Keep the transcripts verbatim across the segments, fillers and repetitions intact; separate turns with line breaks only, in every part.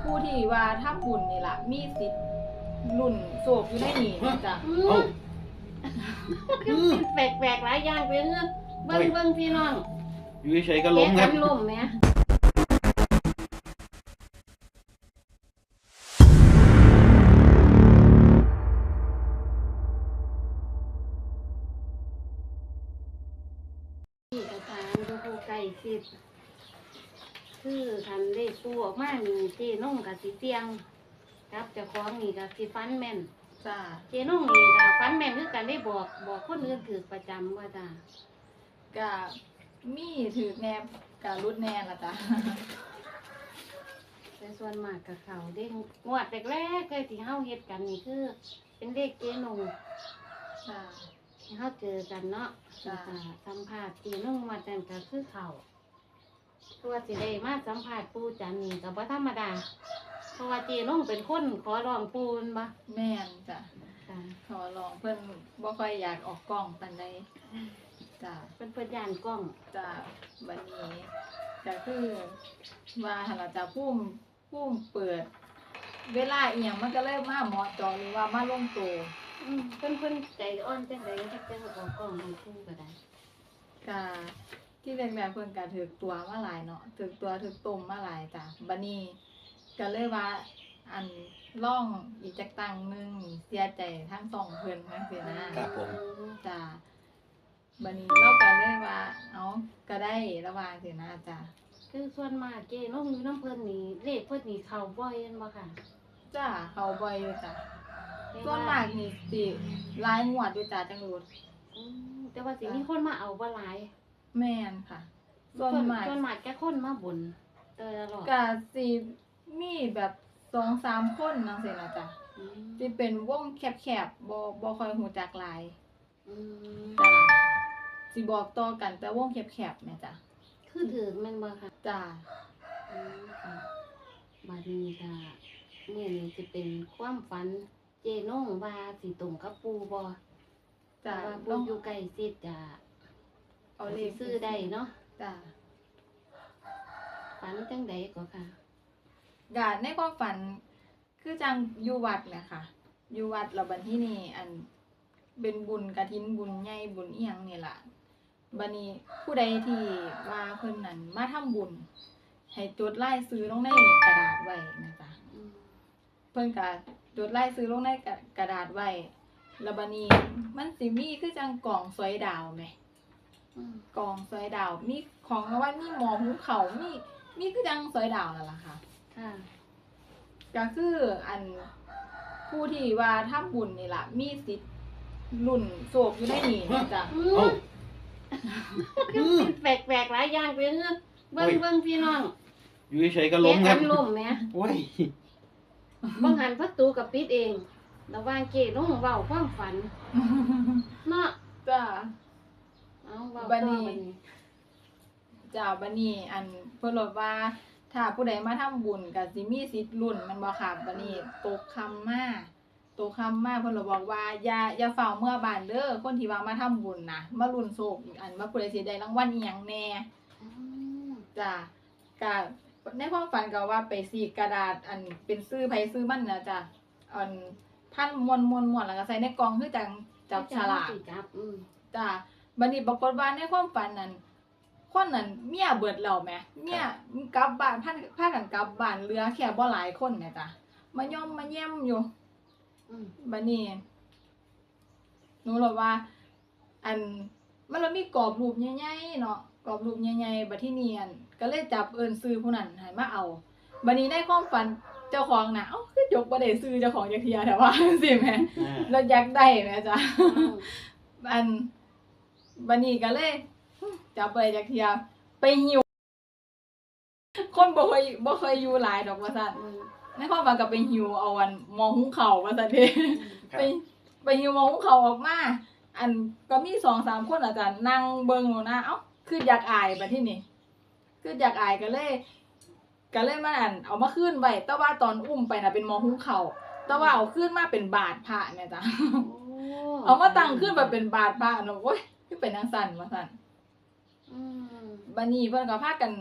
ผู้ที่ว่าทำบุญนี่ล่ะมีสิทธิ์ลุ่นโศกอยู่ในนี่จ้ะ
อื
เอ้าม
คือสิแปลกๆหลายอย่างไปเด้อเบิ่งเบิ่งพี่น้อง
อยู่เฉยๆก็ล้มครับ
แกะกันล้มแหมนี่อาจารย์ดูผู้ใกล้ชิดคือคันเลขปูออกมานี่เจน้องก็สิเสี่ยงกับเจ้าของนี่ก็สิฟันแม่น
จ้ะ
เจน้องนี่ก็ฟันแม่นคือกันได้บอกบอกคนอื่นถือประจำว่าจ้า
ก็มีถือแนบกับรุดแนนล่ะจ้ะ
แต่ส่วนมากกับเขาเด้งงวดแรกๆเคยที่เฮาเฮ็ดกันนี่คือ เป็นเลขเจนง
จ้ะ
ที่เฮาเจอกันเนาะ
จ้ะ
แล้วก็สัมภาษณ์เจนงมาจันก็คือเขาตัวสิได้มาสัมภาษณ์ปู่จันนี่ก็บ่ธรรมดาเพราะว่าเจนงเป็นคนขอร้องปู่แม่นบ่
แม่นจ้ะ
จ้ะ
ขอลองเพิ่นบ่ค่อยอยากออกกล้องปานใดจ้ะ
เป็นเพิ่นย่านกล้อง
จ้ะวันนี้ก็คือว่าหั่นล่ะจ้ะภูมิภูมิเปิด เวลาอีหยังมันก็เลยมาเหมาะเจอหรือว่ามาลงตัว
อืมเพิ่นเพิ่นใจอ่อนจังได๋จักจังออกกล้องให้ปู่ก็ได้
ก็ที่แรกๆเพิ่นก็ถึกตัวมาหลายเนาะถึกตัวถึกต้มมาหลายจ้ะบัดนี้ก็เลยว่าอันล่องอีกจักตังหนึงนี่เสียใจทั้งสองเพิ่นจังซี่นะครับ
ผม
จ้ะบัดนี้เราก็เลยว่าเอ้าก็ได้ระหว่างสินะจ้ะ
คือส่วนมากเจนงอยู่น้ำเพิ่นนี่เลขเพิ่นนี่เข้าบ่อยแม่นบ่ค่ะ
จ้ะเขาบ่อยอยู่จ้ะส่วนมากนี่สิหลายงวดอยู่จ้ะจังรู้
อืมแต่ว่าสิมีคนมาเอาบ่หลาย
แม่นค่ะส่วนมาก
ส่วนมากแค่คนมาบ่นเตอตลอด
ก็สิมีแบบสองสามคนจังซี่นะจ้ะ
อืม
สิเป็นวงแคบๆบ่บ่ค่อยฮู้จักหลาย
อืม
จ้ะสิบอกต่อกันแต่วงแคบๆแม่จ้ะ
คือถือแม่นบ่ค่ะ
จ้ะ
อืมค่ะบัดนี้ค่ะมื้อนี้สิเป็นความฝันเจนงว่าสิตรงกับปู่บ่เพ
จ้ะ
ราะว่า
ล
ปู่
อง
อยู่ใกล้ชิดจะ
เอาเล
สิ
ข
ซื้อได้เนาะ
จ้ะ
ฝันจังใดก็ค่ะ
ก็ในความฝันคือจังอยู่วัดแหละค่ะอยู่วัดแล้วบัดที่นี่อันเป็นบุญกฐินบุญใหญ่บุญอีหยังนี่ล่ะบัดนี้ผู้ใดที่ว่าเพิ่นนั่นมาทำบุญให้จดรายชื่อลงในกระดาษไว้นะจ๊ะ
อืม
เพิ่นก็จดรายชื่อลงในกระดาษไว้แล้วบัดนี้มันสิมีคือจังกล่องสวยดาวแหม
อืม
กล่องสวยดาวมีของรางวัลมีหมอหุงข้าวมีมีคือจังสวยดาวนั่นล่ะค่ะ
ค่ะ
ก็คืออันผู้ที่ว่าทำบุญนี่ล่ะมีสิทธิ์ลุ่นโศกอยู่ในนี่จ้ะ
อื
เอ้าม
คือสิแปลกๆหลายอย่างไปเด้อเบิ่งเบิ่งพี่น้อง
อยู่เฉยๆก็ล้มครับ
แกะกันล้มแหม
โอ้ย
บางหันประตูกับปิดเองระหว่างเกน้องเว้าความฝันเนาะ
จ้ะ
เอาเว้า
บั
ต่
ด
อ
นี้
บัดนี้
จ้ะบัดนี้อันเพิ่นบอกว่าถ้าผู้ใดมาทำบุญก็สิมีสิทธิ์ลุ่นแมันบ่ค่ะบัดนี้ตกคำมาตกคำมาเพิ่นเลยบอกว่าอย่าอย่าเฝ้าเมื่อบ้านเด้อคนที่ว่ามาทำบุญน่ะมาลุ่นโศกอันว่าผู้ใดสิได้รางวัลอีหยังแน่
อืม
จ้ะก็ในความฝันก็ว่าไปสีกกระดาษอันเป็นซื้อไผซื้อมันนะจ้ะอันพันมวนมวนมวนแล้วก็ใส่ในกล่องคือจังจับฉลาก
สิจับอืม
จ้ะบัดนี้ปรากฏว่าในความฝันนั้นคนนั้นเมียเบิดแล้วแหมเมียกลับบ้านพาพากันกลับบ้านเหลือแค่บ่หลายคนแหมจ้ะมาย่อมมาแย้มอยู่
อืม
บัดนี้หนูเลยว่า อันมันเรามีกรอบรูปใหญ่ๆเนาะกรอบรูปใหญ่ๆบัดที่เนียนก็เลยจับเอิ้นซื้อผู้นั้นให้มาเอาบัดนี้ในความฝันเจ้าของน่ะเอ้าคือยกบ่ได้ซื้อเจ้าของจักเที่ยแต่ว่าจังซี่แหม
อ่า
แล้วอยากได้แหมจ้ะ
อืม
อันบัดนี้ก็เลยจับบ่ได้จักเที่ยไปหิวคนบ่เคยบ่เคยอยู่หลายดอกว่าซั่น
อืม
ในความฝันก็ไปหิวเอาอันหม้อหุงข้าวว่าซั่นเด้ ไปไปหิวหม้อหุงข้าวออกมา อันก็มี สองสาม คนอาจารย์นั่งเบิ่งอยู่นะเอ้าคืออยากอายบัดทีนี้คืออยากอายก็เลยก็เลยมาอันเอามาคืนไว้แต่ว่าตอนอุ้มไปน่ะเป็นหม้อหุงข้าวแต่ว่าเอาคืนมาเป็นบาทพระแม่จ้ะ
โอ้
เอามาตั้งขึ้นแบบเป็นบาทพระเนาะโอ้ยคือเป็นจังซั่นว่าซั่น
อืม
บัดนี้เพิ่นก็พากัน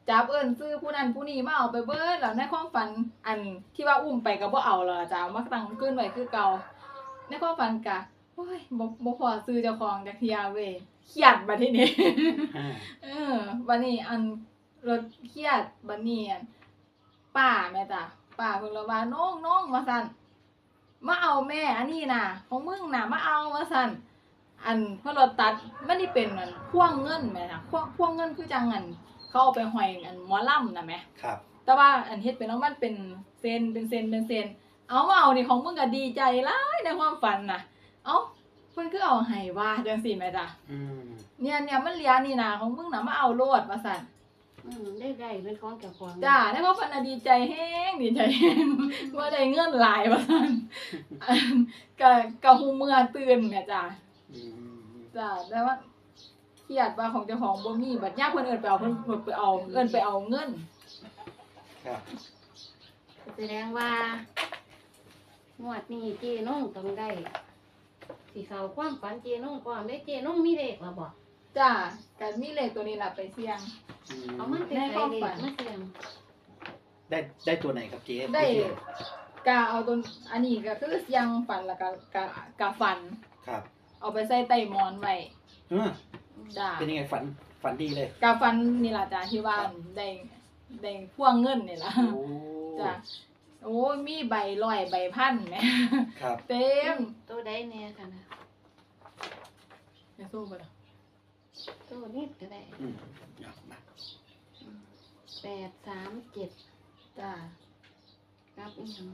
จับเอิ้นซื้อผู้นั้นผู้นี้มาเอาไปเบิดแล้วในความฝันอันที่ว่าอุ้มไปก็บ่เอาแล้วล่ะจ้ะเอามาตั้งคืนไว้คือเก่าในความฝันก็โอ้ยบ่บ่พอซื้อเจ้าของจักเที่ยเว้ยเครียดบัดทีนี้
อ่า
เออบัดนี้อันรถเครียดบัดนี้อันป้าแม่จ้ะป้าเพิ่นเลยว่าน้องน้องว่าซั่นมาเอาแม่อันนี้น่ะของมึงน่ะมาเอาว่าซั่นอันเพราะรถตัดมันนี่เป็นอันพ่วงเงินแม่จ้ะพ่วงพ่วงเงินคือจังอันเขาเอาไปห้อยอันหมอลำน่ะแม่
ครับ
แต่ว่าอันเฮ็ดเป็นแล้วมันเป็นเซนเป็นเซนเป็นเซนเอามาเอานี่ของมึงก็ดีใจหลายในความฝันน่ะเอ้าเพิ่นคือเอาให้ว่าจังซี่แม่จ้ะ
อืม
เนี่ยเนี่ยมันเหลียนี่นะของมึงนะมาเอาโลดว่าสั่น
อืมได้ได้เป็นของเจ้าของ
จ้าได้เพราะพันน่ะดีใจแห้งดีใจแห้ง ว่าได้เงินหลายว่าสั่น อันกะกะหูเมื่อตื่นแม่จ้า
อืม
จ้าแต่ว่าเครียดว่าของเจ้าของบ่มีบัดยามเพิ่นเอิ้นไปเอาเพิ่นเพิ่นไปเอาเอิ้นไปเอาเงิน
ครับ
แสดงว่างวดนี้เจน้องต้องได้สิเขาความฝันเจน้องก่อนได้เจน้องมีเลขแล้วบ่
จ้าก็มีเลขตัวนี้ล่ะไปเสี่ยง
อืม
เอามันเป็น
ใน
ไร
ความ
เล
ฝั
ข
น
มาเสี่ยง
ได้ได้ตัวไหนครับเจ๊
ได้
เจ๊
กะเอาตัวอันนี้ก็คือเสี่ยงฝันแล้วก็กะกะฝัน
ครับ
เอาไปใส่ใต้หมอนไว้
อ่า
จ้า
เป็นยังไงฝันฝันดีเลย
กาฟันนี่ล่ะจ้ะที่ว่าได้ได้พ่วงเงินนี่ล่ะ
โอ้
จ้ะโอ้ยมีใบร้อยใบพันแหม
ครับ
เต็ม
ตัวใดแน่ค่ะนะ
จะสู้บ่ล่ะ
ตัวนี้ก็ได้
อืมเอามา
แปดสามเจ็ด
จ้ะ
ครับอีกหนึ่ง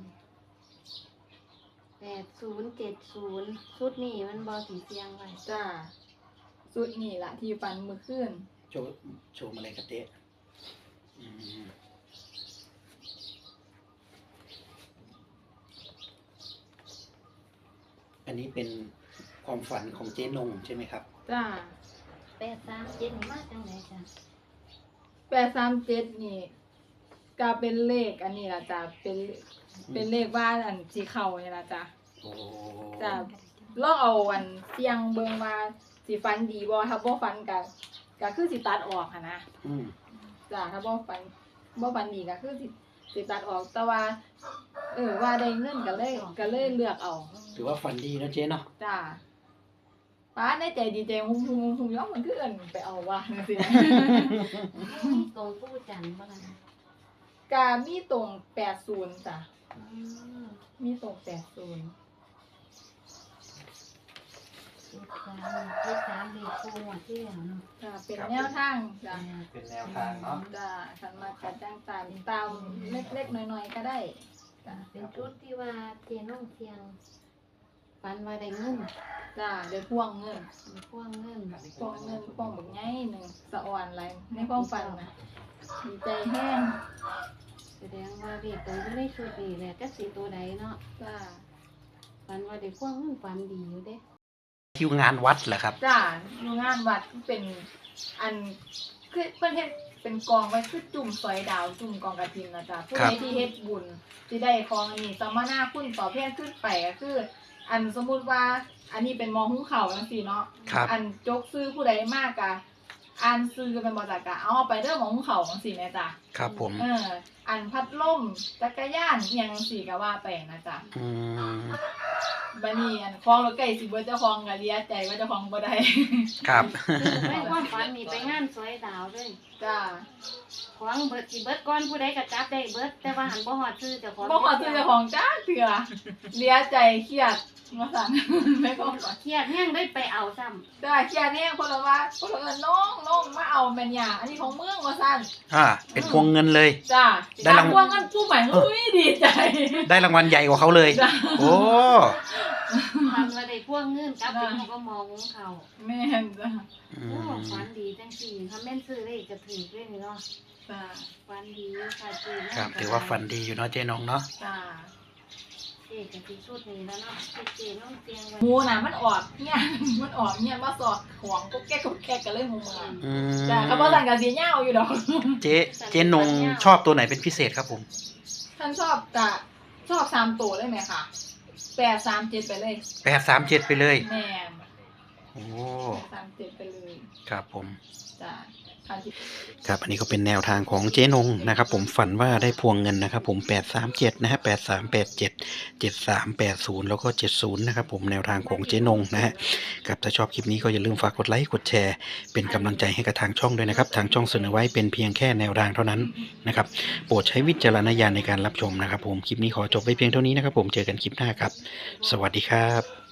แปดศูนย์เจ็ดศูนย์ชุดนี้มันบอสีเสียงไว้
จ้ะสุดนี่ล่ะที่ฟันมื้อคืน
โชว์โชว์มาเลยครับเจ๊อืมอันนี้เป็นความฝันของเจ๊นงใช่ไหมครับ
จ้ะ
แปดสามเจ็ดนี่มาจังไหนจ้ะ
แปดสามเจ็ดนี่ก็เป็นเลขอันนี้ล่ะจ้ะเป็นเป็นเลขว่าอันสิเข้านี่ล่ะจ้ะ
โอ้
จ้ะลองเอาอันเสี่ยงเบิ่งว่าสิฟันดีบ่ถ้าบ่ฟันก็ก็คือสิตัดออกหันนะ
อืม
จ้ะถ้าบ่ฟันบ่ฟันดีก็คือสิสิตัดออกแต่ว่า เออว่าได้เงินก็เลยก็เลยเลือกเอา
ถือว่าฝันดีนะเจ๊เนาะ
จ้ะป้าในใจดีใจหุ่มหุ่มหุ่มย้อมมันคือเอิ้นไปเอาว่าจังซี่นะ
มีตรงผู้จันทร์บ้างนะ
กามีตรงแปดสิบจ้ะ
อืม
มีตรงแปดสิบ
เจ็ดสามเจ็ดสามเด็กคู่หมดที่แล้วเนาะ
จ้ะเป็นแนวทางจ้ะ
เป็นแนวทางเนาะ
จ้ะคันมากัดจังตามตามเล็กๆน้อยๆก็ได้จ้ะ
เป็นชุดที่ว่าเจน้องเทียงฟันว่าได้เงิน
จ้ะเดี๋ยวพ่วงเงิน
มีพ่วงเงิน
พ่วงเงินพ่วงบักใหญ่หนึงสะอ่อนหลายในความฝันนะดีใจแห้ง
แสดงว่าเด็กตรงที่ในชุดนี้แหละก็สีตัวใดเนาะ
จ้ะ
ฟันว่าได้พ่วงเงินฟันดีอยู่เด้
คิวงานวัดเหรอครับ
จ้ะอยู่งานวัดเป็นอันคือเพิ่นเฮ็ดเป็นกองไว้คือจุ่มซอยดาวจุ่มกองกฐินนะจ๊ะผู้
ครั
ใด
บ
ที่เฮ็ดบุญสิได้ของอันนี้สมนาคุณตอบแทนขึ้นไปก็คือ อันสมมุติว่า อันนี้เป็นหมอหุงข้าวจังซี่เนาะ
ครับ
อันจกซื้อผู้ใดมากกะอ่านซื้อเป็นบ่จักกะเอาไปเด้อหมอหุงข้าวจังซี่แม่จ้ะ
ครับผม
เออ อันพัดลมจักรยานอิหยังจังซี่ก็ว่าไปนะจ๊ะ
อืม
บัดนี้อันของรถไก่สิเบิดเจ้าของก็เลียใจว่าเจ้าของบ่ได้
ครับ
คือไม่ความฝันมีไปงานสวยดาวด้วย
จ้ะ
ของเบิดสิเบิดก่อนผู้ใดก็จับได้เบิดแต่ว่าหันบ่ฮอดชื่อเจ้าของ
บ่ขอซื้อเจ้าของจ้าเถื่อเลียใจเครียดว่าซั่น ไม่ก็
เครียดแห้งได้ไปเอาซ้ำ
จ้าเครียดแน่คนละว่าคนละเอิ้นน้องน้องมาเอาแม่นหยังอันนี้ของเมืองว่าซั่น
อ่า เป็นพวงเงินเลย
จ้า
ได้รางวัล
พวกกันผู้ใหม่อุ้ยดีใจ
ได้รางวัลใหญ่กว่าเขาเลย
จ้า
โอ้
ทำว่าได้พ่วงเงินกลับไปเขาก็มองของเขา
แม่นจ้า
อื
โอ้
ม
ฝันดีจังสี่ถ้าแม่นซื้อเลขจะถือด้วยนี่เนาะ
จ้า
ฝันดีอยู่ค่ะเจ๊เนาะ
ครับ ถือว่าฝันดีอยู่เนาะเจ๊นงเนาะ
จ้า
เจ๊กับที่ชุดนี้แล้วเนาะเจ๊น้องเตียงไว้
หมูน่ะมันออกเนี่ย มันออกเนี่ยมาสอดของก็แก้ก็แก้กันเลยหมูมา
อืม
จ้าเขาบอกสั่งกับสีเหย้าอยู่ดอก
เจ๊เจ๊นงชอบตัวไหนเป็นพิเศษครับผม
ท่านชอบกะชอบสามตัวได้ไหมคะแปดสามเจ็ดไปเลย
แปดสามเจ็ดไปเลย
แม่น
โอ้
แปดสามเจ็ดไปเลย
ครับผม
จ้าค่ะที่
ครับอันนี้ก็เป็นแนวทางของเจ๊นงนะครับผมฝันว่าได้พวงเงินนะครับผมแปดสามเจ็ดนะฮะแปดสามแปดเจ็ดเจ็ดสามแปดศูนย์แล้วก็เจ็ดศูนย์นะครับผมแนวทางของเจ๊นงนะฮะครับถ้าชอบคลิปนี้ก็อย่าลืมฝากกดไลค์กดแชร์เป็นกำลังใจให้กับทางช่องด้วยนะครับทางช่องเสนอไว้เป็นเพียงแค่แนวทางเท่านั้นนะครับโปรดใช้วิจารณญาณในการรับชมนะครับผมคลิปนี้ขอจบไว้เพียงเท่านี้นะครับผมเจอกันคลิปหน้าครับสวัสดีครับ